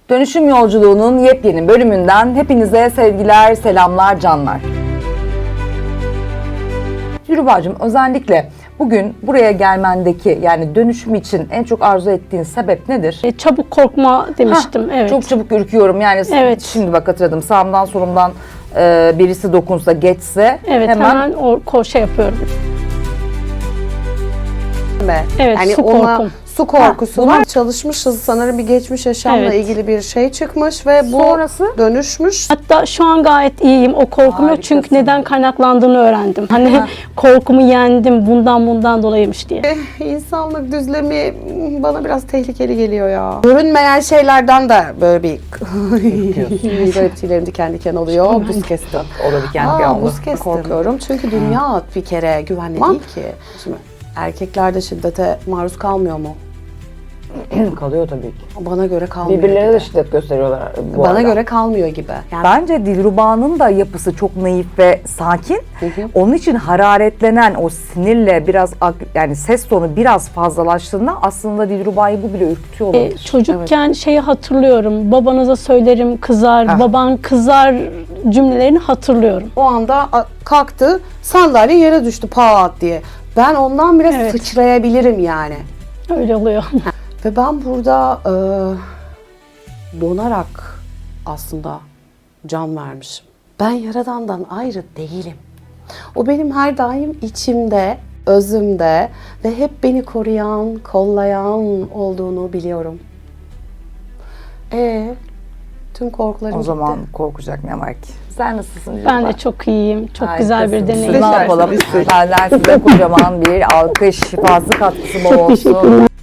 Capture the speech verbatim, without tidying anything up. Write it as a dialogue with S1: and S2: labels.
S1: Dönüşüm Yolculuğu'nun yepyeni bölümünden hepinize sevgiler, selamlar, canlar. Dilruba'cığım, özellikle bugün buraya gelmendeki, yani dönüşüm için en çok arzu ettiğin sebep nedir?
S2: E, çabuk korkma demiştim.
S1: Hah,
S2: evet.
S1: Çok çabuk ürküyorum. Yani
S2: Evet.
S1: şimdi bak hatırladım. Sağımdan solumdan e, birisi dokunsa, geçse
S2: Evet,
S1: hemen,
S2: hemen, o ko- şey yapıyorum. Evet,
S3: yani
S2: su
S3: ona
S2: korkum.
S3: su korkusu
S1: Ha,
S3: var. Çalışmışız sanırım, bir geçmiş yaşamla
S2: Evet.
S3: ilgili bir şey çıkmış ve bu
S1: Sonrası?
S3: dönüşmüş.
S2: Hatta şu an gayet iyiyim. O korkum yok çünkü
S1: Harikasın.
S2: neden kaynaklandığını öğrendim. Hani korkumu yendim bundan bundan dolayıymış diye.
S3: İnsanlık düzlemi bana biraz tehlikeli geliyor ya. Görünmeyen şeylerden de böyle bir garip tüylerim diken diken oluyor. Buz kestim.
S1: o da diken
S3: Aa,
S1: diken oldu.
S3: buz kestim. Korkuyorum çünkü dünya bir kere güvenli değil ki. Şimdi erkekler de şiddete maruz kalmıyor mu?
S1: Kalıyor tabii ki.
S3: Bana göre kalmıyor
S1: Birbirlerine
S3: gibi.
S1: de şiddet gösteriyorlar bu
S3: Bana
S1: arada.
S3: göre kalmıyor gibi. Yani
S1: Bence Dilruba'nın da yapısı çok naif ve sakin.
S3: Hı hı.
S1: Onun için hararetlenen o sinirle biraz ag- yani ses tonu biraz fazlalaştığında aslında Dilruba'yı bu bile ürkütüyor
S2: E,
S1: olabilir.
S2: çocukken şeyi hatırlıyorum. Babanıza söylerim kızar,
S1: Ah.
S2: baban kızar cümlelerini hatırlıyorum.
S3: o anda a- kalktı, sandalye yere düştü pat diye. Ben ondan bile
S2: Evet.
S3: sıçrayabilirim yani.
S2: Öyle oluyor.
S3: Ve ben burada e, donarak aslında can vermişim. Ben Yaradan'dan ayrı değilim. O benim her daim içimde, özümde ve hep beni koruyan, kollayan olduğunu biliyorum. E tüm korkularım
S1: O
S3: gitti.
S1: zaman korkacak ne var ki? Sen nasılsın Dilruba?
S2: Ben de çok iyiyim. Çok güzel bir
S1: Harikasın.
S2: deneyim.
S1: Ne yapalım? Senden size kocaman bir alkış, şifası katkısı bol olsun.